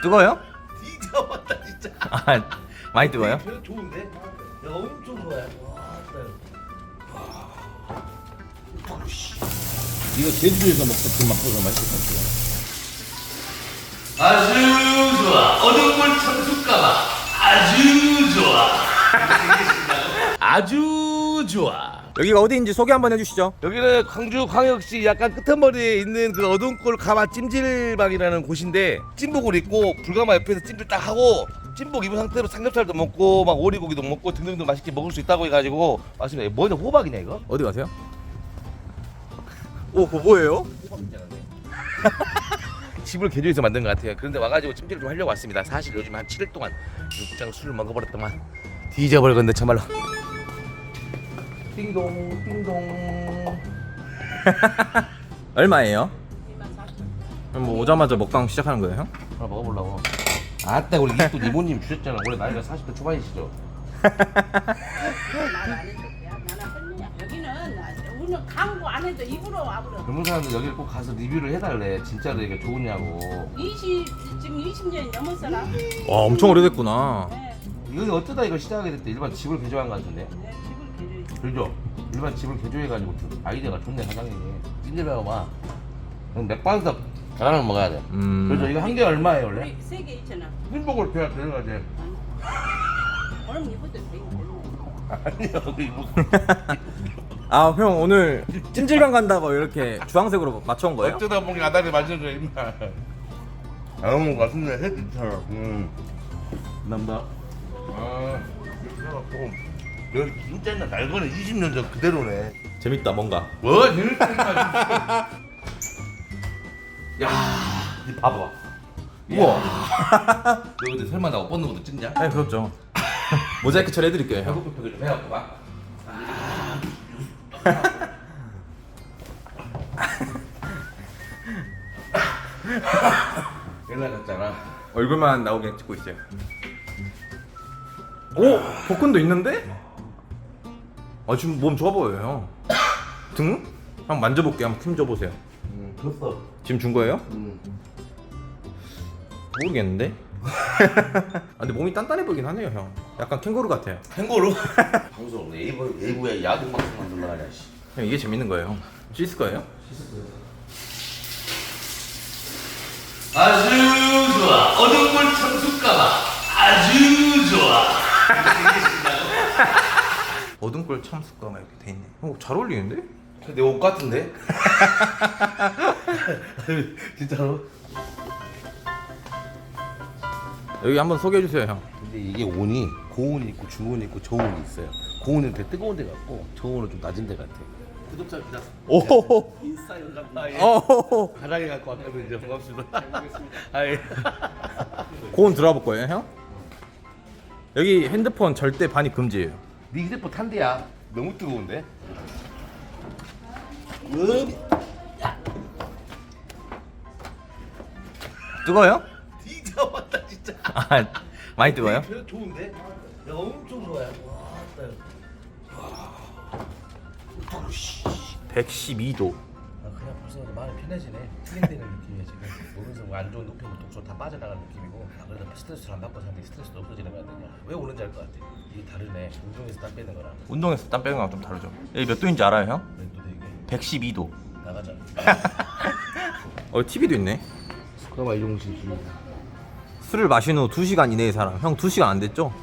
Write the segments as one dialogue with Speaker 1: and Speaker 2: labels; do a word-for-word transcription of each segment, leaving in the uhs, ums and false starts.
Speaker 1: 뜨거워요?
Speaker 2: 진짜 왔다 진짜.
Speaker 1: 아 많이 뜨거워요?
Speaker 2: 별 좋은데? 야 엄청 좋아요. 와, 이거 제주도에서 먹던 그 맛보다 맛있을 것 같아요. 아주 좋아. 어묵물 참숯가마 아주 좋아. 아주 좋아.
Speaker 1: 여기가 어디인지 소개 한번 해주시죠.
Speaker 2: 여기는 광주 광역시 약간 끄트머리에 있는 그 어둠골 가마 찜질방이라는 곳인데 찜복을 입고 불가마 옆에서 찜질 딱 하고 찜복 입은 상태로 삼겹살도 먹고 막 오리고기도 먹고 등등등 맛있게 먹을 수 있다고 해가지고 왔습니다. 뭐냐 호박이냐 이거?
Speaker 1: 어디 가세요? 오 그거 뭐예요?
Speaker 2: 집을 개조해서 만든 것 같아요. 그런데 와가지고 찜질을 좀 하려고 왔습니다. 사실 요즘 한 칠 일 동안 육장 술을 먹어버렸더만 뒤져버렸건데 참말로. 띵동 띵동.
Speaker 1: 얼마예요? 그럼 뭐 오자마자 먹방 시작하는 거예요, 형?
Speaker 2: 하나 먹어보려고. 아따 우리 이쁜 이모님 주셨잖아. 원래 나이가 사십 대 초반이시죠?
Speaker 3: 여기는 우리는 광고 안 해도 입으로 와버려.
Speaker 2: 젊은 사람들 여기 꼭 가서 리뷰를 해달래. 진짜로 이게 좋으냐고.
Speaker 3: 이십 지금 이십 년이 넘었어라.
Speaker 1: 와 엄청 오래됐구나.
Speaker 3: 네,
Speaker 2: 여기 어쩌다 이거 시작하게 됐대. 일반 집을 개조한 것 같은데.
Speaker 3: 네 집을 개조해.
Speaker 2: 그죠? 일반 집을 개조해가지고 좀 아이디어가 좋네 사장님이. 찐질배워 봐. 그럼 맥반석 계란을 먹어야 돼.
Speaker 1: 음.
Speaker 2: 그렇죠. 이거 한 개 얼마예요 원래?
Speaker 3: 세개 이천 원.
Speaker 2: 흰복을 돼야 들어가지.
Speaker 3: 그럼 이것도 되게
Speaker 2: 아니요 이거.
Speaker 1: 아 형 오늘 찜질방 간다고 이렇게 주황색으로 맞춰온 거예요?
Speaker 2: 어쩌다 보니 아다리 맞춰줘 임마. 아무 같은데 해 괜찮아. 음. 감사합니다. 아 이렇게 해갖고 여기 진짜 옛날 날거는 이십 년 전 그대로네.
Speaker 1: 재밌다 뭔가.
Speaker 2: 뭐 재밌다니까. 야, 이 봐봐.
Speaker 1: 우와.
Speaker 2: 너 근데 설마 나 옷 벗는 것도 찍냐?
Speaker 1: 네 그렇죠. 모자이크 처리해드릴게요 형.
Speaker 2: 배고프게 좀 해갖고 봐. 옛날 같잖아.
Speaker 1: 얼굴만 나오게 찍고 있어요. 오 복근도 있는데? 아 지금 몸 좋아 보여요 형. 등? 한번 만져볼게요. 한번 힘 줘보세요.
Speaker 2: 응, 줬어.
Speaker 1: 지금 준 거예요?
Speaker 2: 응.
Speaker 1: 모르겠는데? 아, 근데 몸이 단단해 보이긴 하네요 형. 약간 캥거루 같아요.
Speaker 2: 캥거루? 방송 에이브 에이브에 야동 방송 만들러 가냐 씨.
Speaker 1: 형 이게 재밌는 거예요. 씻을 거예요?
Speaker 2: 아주 좋아. 어둠물 참숯가마 아주 좋아.
Speaker 1: 어둠골 참숯가마 이렇게 돼 있네. 어, 잘 어울리는데?
Speaker 2: 내 옷 같은데? 진짜로?
Speaker 1: 여기 한번 소개해 주세요 형.
Speaker 2: 근데 이게 온이 고온이 있고 중온이 있고 저온이 있어요. 고온은 되게 뜨거운 데 같고 저온은 좀 낮은 데 같아. 구독자 기다.
Speaker 1: 오호호.
Speaker 2: 인스타에 간다.
Speaker 1: 오호호.
Speaker 2: 가랑이 갖고 왔거든요. 반갑습니다. 아 예.
Speaker 1: 고온 들어가 볼 거예요 형? 여기 핸드폰 절대 반입 금지예요.
Speaker 2: 네 휴대폰 탄대야. 너무 뜨거운데? 음.
Speaker 1: 뜨거워요?
Speaker 2: 진짜 왔다 진짜.
Speaker 1: 아 많이 뜨거워요?
Speaker 2: 별 좋은데? 야 엄청 좋아요. 와,
Speaker 1: 백십이 도.
Speaker 2: 아, 그냥 벌써 마음이 편해지네. 힐링되는 느낌이야 지금. 몸에서 뭐 안 좋은 높이면 독소 다 빠져나가는 느낌이고. 아, 그래도 스트레스를 안 받고 사는데 스트레스도 없어지는 거 같냐? 왜 오는지 알 것 같아. 이게 다르네. 운동에서 땀 빼는 거랑.
Speaker 1: 운동에서 땀 빼는 거랑 좀 다르죠. 여기 몇 도인지 알아요 형?
Speaker 2: 또 되게
Speaker 1: 백십이 도.
Speaker 2: 나가자.
Speaker 1: 어 티비도 있네.
Speaker 2: 그나마 이용신 주.
Speaker 1: 술을 마신 후 두 시간 이내의 사람. 형 두 시간 안 됐죠?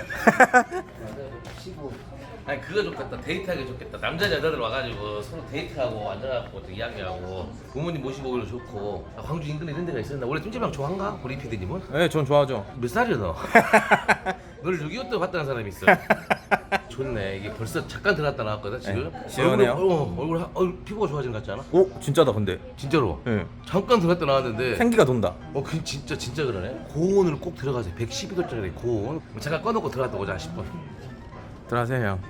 Speaker 2: 아니 그거 좋겠다. 데이트하기 좋겠다. 남자 여자들 와가지고 서로 데이트하고 앉아갖고 또 이야기하고 부모님 모시고 오기도 좋고. 아, 광주 인근에 이런 데가 있었나? 원래 찜질방 좋아한가? 우리 피디님은?
Speaker 1: 네, 전 좋아하죠.
Speaker 2: 몇 살이야 너? 널 육이오 때 봤다는 사람이 있어. 좋네. 이게 벌써 잠깐 들어갔다 나왔거든 지금.
Speaker 1: 네, 시원해요.
Speaker 2: 얼굴, 어, 얼굴 하- 얼굴 피부가 좋아지는 것 같지 않아?
Speaker 1: 오 진짜다 근데.
Speaker 2: 진짜로.
Speaker 1: 네.
Speaker 2: 잠깐 들어갔다 나왔는데.
Speaker 1: 생기가 돈다.
Speaker 2: 어, 그 진짜 진짜 그러네. 고온을 꼭 들어가세요. 백십이 도짜리 고온. 잠깐 꺼놓고 들어갔다 오자 싶어.
Speaker 1: 들어가세요 형.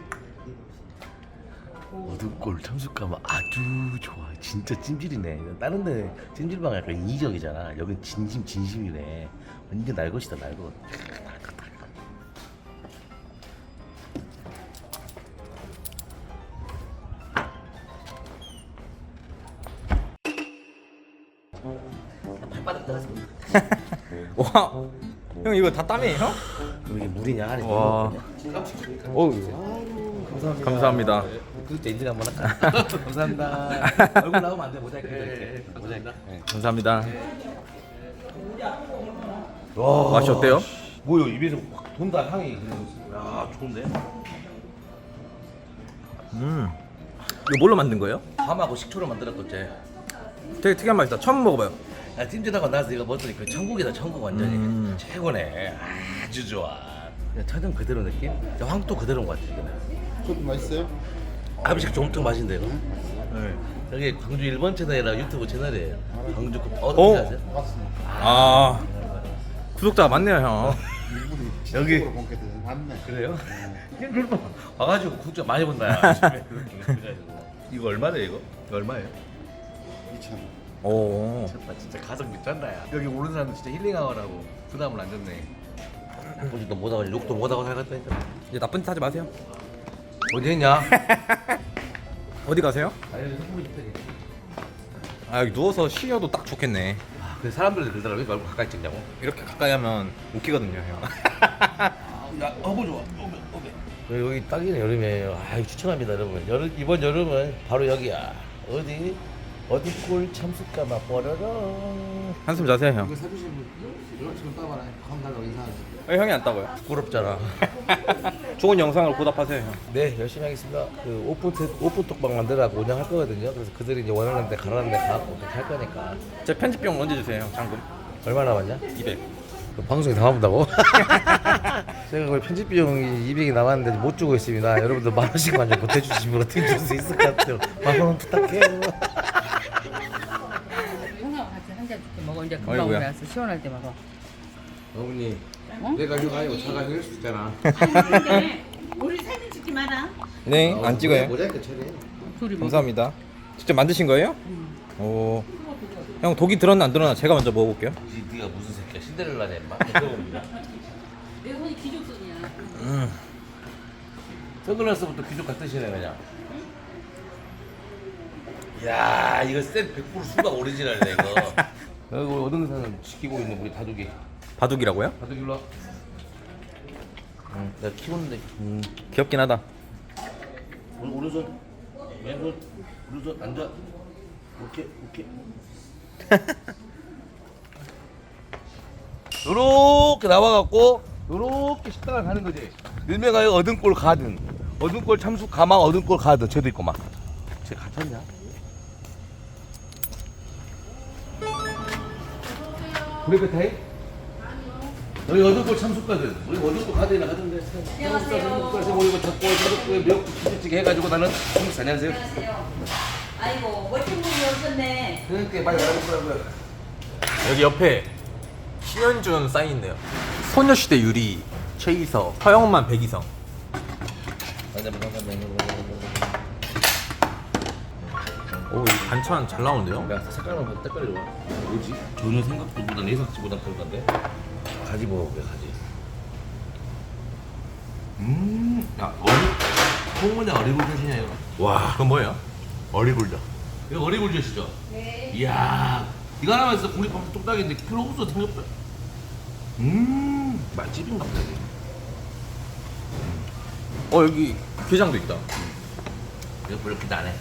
Speaker 2: 어둠골 참숯가마 아주 좋아. 진짜 찜질이네. 다른 데 찜질방 약간 이적이잖아. 여긴 진심 진심이네. 완전 날 것이다 날 것. 발바닥 들어갔습니다.
Speaker 1: 와 와, 형 이거 다 땀이에요?
Speaker 2: 그럼 이게 물이냐? 아니
Speaker 1: 와.
Speaker 2: 오, 감사합니다.
Speaker 1: 감사합니다.
Speaker 2: 그때 인증 한번 할까? 감사합니다. 얼굴 나오면 안 돼. 모자이크 해드릴게. 모자이크. 네.
Speaker 1: 감사합니다.
Speaker 2: 와,
Speaker 1: 맛이 어때요?
Speaker 2: 뭐요? 입에서 확 돈다 향이. 야, 좋은데?
Speaker 1: 음. 이거 뭘로 만든 거예요?
Speaker 2: 밤하고 식초로 만들었겠지.
Speaker 1: 되게 특이한 맛이다. 처음 먹어봐요.
Speaker 2: 야, 찜질하고 나서 이거 먹더니 그 천국이다, 천국 완전히.
Speaker 1: 음.
Speaker 2: 최고네. 아주 좋아. 야, 천정 그대로 느낌? 야, 황토 그대로인 것 같아, 지금.
Speaker 4: 그것도 맛있어요?
Speaker 2: 아비식 종특 맛인데, 이거? 네. 여기 광주 일 번 채널이라 유튜브 채널이에요. 광주 그 어디
Speaker 1: 오.
Speaker 2: 아세요?
Speaker 4: 맞습니다.
Speaker 1: 아, 구독자가 많네요, 형.
Speaker 4: 일본이
Speaker 2: 여기.
Speaker 4: 지속적으로 본게 되는 맞네.
Speaker 2: 그래요? 와가지고 구독자 많이 본다. 야. 이거 얼마래 이거? 이거 얼마예요?
Speaker 4: 이천 원.
Speaker 1: 오.
Speaker 2: 아, 진짜 가성 미쳤다 야. 여기 오는 사람들 진짜 힐링하라고 부담을 안 줬네. 아버지도 못하고 욕도 못하고 살겠다 했잖아.
Speaker 1: 이제 나쁜 짓 하지 마세요.
Speaker 2: 어디 했냐?
Speaker 1: 어디 가세요?
Speaker 2: 아니 성분이 있대.
Speaker 1: 아, 여기 누워서 쉬어도 딱 좋겠네.
Speaker 2: 아, 그 사람들이 그러더라. 왜 얼굴 가까이 찍냐고?
Speaker 1: 이렇게 가까이 하면 웃기거든요, 형.
Speaker 2: 야, 어부 좋아. 어부, 어부. 여기 딱이네 여름에. 아, 이거 추천합니다, 여러분. 여름 이번 여름은 바로 여기야. 어디? 어디골 참숯가마 뽀로로.
Speaker 1: 한숨 자세요, 형.
Speaker 4: 이거 사주신 분 이거 지금 따봐라. 감사하고 인사하세요.
Speaker 1: 왜 형이 안 따고요?
Speaker 2: 부끄럽잖아.
Speaker 1: 좋은 영상을 보답하세요, 형.
Speaker 2: 네, 열심히 하겠습니다. 그 오픈 트- 오픈 톡방 만들라고 운영할 거거든요. 그래서 그들이 이제 원하는 데 가라는 데 가고 그렇게 할 거니까.
Speaker 1: 제 편집비용 언제 주세요, 형? 잔금.
Speaker 2: 얼마 남았냐?
Speaker 1: 이백.
Speaker 2: 그 방송에 담아본다고? 제가 거의 편집 비용이 이백이 남았는데 못 주고 있습니다. 여러분들 만 원씩만 좀 보태주시면 어떻게 줄 수 있을 것 같아요. 만 원 부탁해요.
Speaker 3: 형하고 같이 한 잔 줄게 먹어. 이제 금방
Speaker 1: 아이고야.
Speaker 3: 올라왔어. 시원할 때 먹어.
Speaker 2: 어머니,
Speaker 3: 어?
Speaker 2: 내가 휴가 아니고 차가 휴일 수 있잖아.
Speaker 3: 아니 근데 우리 사진 찍지 마라.
Speaker 1: 네, 안 찍어요.
Speaker 4: 모자이크 처리해.
Speaker 3: 둘이 먹어.
Speaker 1: 감사합니다. 직접 만드신 거예요? 오. 형 독이 들었나 안 들었나 제가 먼저 먹어볼게요.
Speaker 2: 니, 네가 무슨 새끼야? 신데렐라냐 임마? 들어봅니다.
Speaker 3: 내 손이 기족손이야.
Speaker 1: 음.
Speaker 2: 선글라스부터 귀족 같으시네 그냥. 야, 이거 쌤 백 퍼센트 수박 오리지널이네 이거. 여기 우리 어동산을 지키고 있는 우리 다둑이.
Speaker 1: 바둑이라고요?
Speaker 2: 다둑이 일로 와. 응, 내가 키우는데. 음.
Speaker 1: 귀엽긴 하다.
Speaker 2: 오른, 오른손, 왼손, 오른손 앉아. 오케이, 오케이. 요렇게 나와갖고 요렇게 식당을 가는 거지. 일명하여 어든골 가든, 어든골 참수 가망 어든골 가든 쟤도 있고 막. 쟤 갇혔냐? 브레이크 타임? 여기 어든골 참수 가든, 우리 어든골 가든이나 가던데. 안녕하세요. 그래서 우리 이거 잡고 저렇게 미역국 김치찌개 해가지고 나는 한국 안녕하세요.
Speaker 5: 아이고 멋진 분이 오셨네.
Speaker 2: 그러니까 빨리 알아보라고요.
Speaker 1: 여기 옆에 신현준 사인있네요. 소녀시대 유리, 최이서, 허영만, 백이성. 오, 이 반찬 잘 나오는데요?
Speaker 2: 야, 색깔은 뭐 색깔이 좋아. 뭐지? 전혀 생각보다 예상치보다 그럴 건데. 가지 먹어볼게, 가지. 음, 야, 어리, 홍문에 어리굴젓이냐 이거?
Speaker 1: 와, 그건 뭐예요?
Speaker 2: 어리굴젓. 이거 어리굴젓이죠? 네. 이야, 이거 하나만 있어 국립밥 뚝딱인데 필요 없어 생각보다. 음, 맛집인가 보다. 이게.
Speaker 1: 어, 여기 게장도 있다.
Speaker 2: 이거 별로 기대 안 해.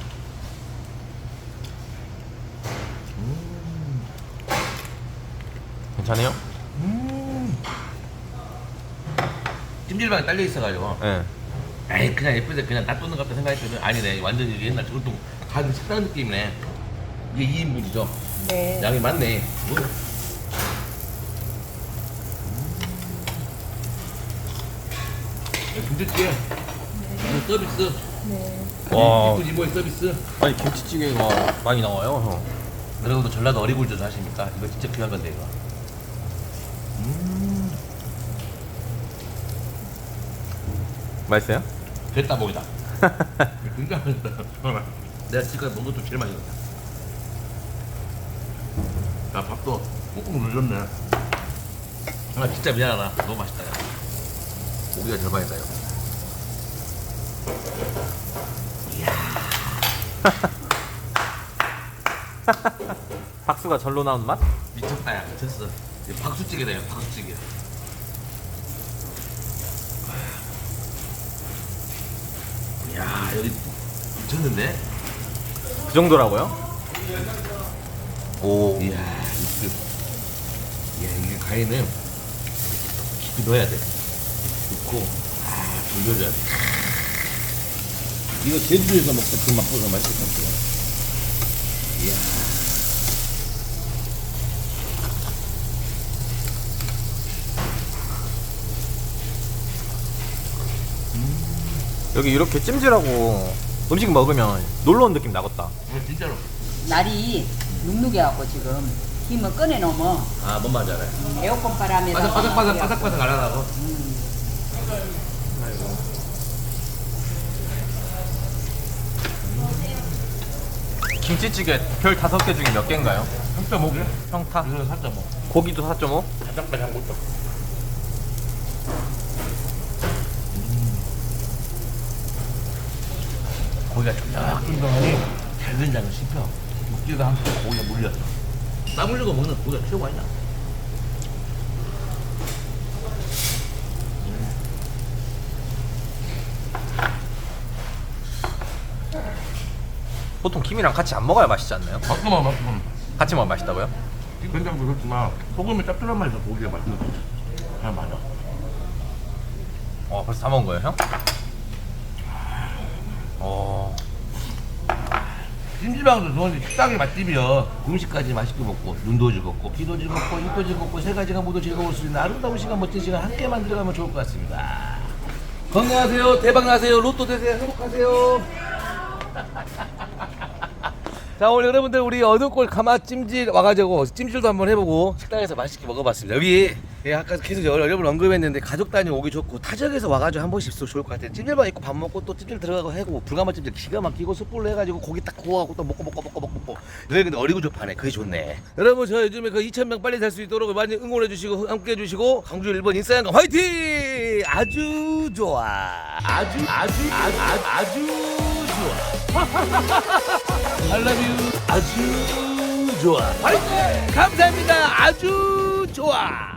Speaker 1: 괜찮아요?
Speaker 2: 음. 찜질방에 딸려 있어가지고.
Speaker 1: 네.
Speaker 2: 에이 그냥 예쁘게 그냥 놔두는 것 같다 생각했더니 아니네 완전히 옛날 저것도 가는 식당 느낌이네. 이게 이 인분이죠?
Speaker 3: 네.
Speaker 2: 양이 많네. 뭐. 김치찌개 이거 서비스.
Speaker 1: 와.
Speaker 2: 이분 이모의 서비스.
Speaker 1: 아니, 김치찌개가 많이 나와요, 형.
Speaker 2: 여러분도 전라도 어리굴젓 하십니까? 이거 진짜 귀한 건데 이거.
Speaker 1: 맛있어요?
Speaker 2: 뱃다복이다. 진짜 맛있다. 내가 지금까지 먹은 것도 제일 맛있었다. 야 밥도 꾹꾹 눌렸네. 아 진짜 미안하다. 너무 맛있다. 야. 고기가 절반이다 이거.
Speaker 1: 박수가 절로 나오는 맛?
Speaker 2: 미쳤다 야 미쳤어. 박수찌개다, 이거 박수찌개. 이야, 여기 미쳤는데?
Speaker 1: 그 정도라고요? 오.
Speaker 2: 이야, 육수. 이야, 이게 가위는 깊이 넣어야 돼. 넣고, 아, 돌려줘야 돼. 이거 제주도에서 먹던 그 맛보다 맛있을 것 같아요. 이야.
Speaker 1: 여기 이렇게 찜질하고 음식 먹으면 놀러 온 느낌 나겠다.
Speaker 2: 이거 진짜로.
Speaker 5: 날이 눅눅해 갖고 지금 김을 꺼내 놓으면
Speaker 2: 아, 뭔 말인지 알아요.
Speaker 5: 에어컨 바람에
Speaker 2: 바삭, 바삭, 바삭, 바삭, 바삭 안 하고.
Speaker 1: 김치찌개 별 다섯 개 중에 몇 개인가요?
Speaker 2: 삼 점 오 개?
Speaker 1: 평타?
Speaker 2: 이거는 사 점 오.
Speaker 1: 고기도 사 점 오?
Speaker 2: 바삭, 바삭 못 점. 고기가 쫀쫀하니 잘 된장을 씹혀. 육지가 함께 고기가 물렸어. 땀 흘리고 먹는 고기가 최고 아니야?
Speaker 1: 보통 김이랑 같이 안 먹어야 맛있지 않나요?
Speaker 2: 맛있구만, 맛있구만.
Speaker 1: 같이 먹으면 맛있다고요?
Speaker 2: 된장도 그렇지만 소금이 짭짤한 맛이 있어. 고기가 맛있는 거지. 잘 맞아.
Speaker 1: 어 벌써 다 먹은 거예요 형? 어...
Speaker 2: 찜질방도 좋은데 식당이 맛집이요. 음식까지 맛있게 먹고 눈도 즐겁고 귀도 즐겁고 입도 즐겁고 세 가지가 모두 즐거울 수 있는 아름다운 시간, 멋진 시간 함께 만들어가면 좋을 것 같습니다. 건강하세요. 대박 나세요. 로또 되세요. 행복하세요. 자, 오늘 여러분들 우리 어둠골 가마 찜질 와가지고 찜질도 한번 해보고 식당에서 맛있게 먹어봤습니다. 여기 예, 아까 계속 여러 번 언급했는데 가족 단위 오기 좋고 타지역에서 와가지고 한 번씩 있어도 좋을 것 같아요. 찜질방 있고 밥 먹고 또 찜질 들어가고 해고 불가마 찜질 기가 막히고 숯불로 해가지고 고기 딱 구워갖고 또 먹고 먹고 먹고 먹고 먹고 여기 근데 어리고 좋파네. 그게 좋네. 여러분 저 요즘에 그 이천 명 빨리 살 수 있도록 많이 응원해 주시고 함께 해주시고 강주 일 번 인싸양감 화이팅! 아주 좋아. 아주 아주 아주 아주, 아주 좋아. I love you. 아주 좋아. 화이팅! 감사합니다. 아주 좋아.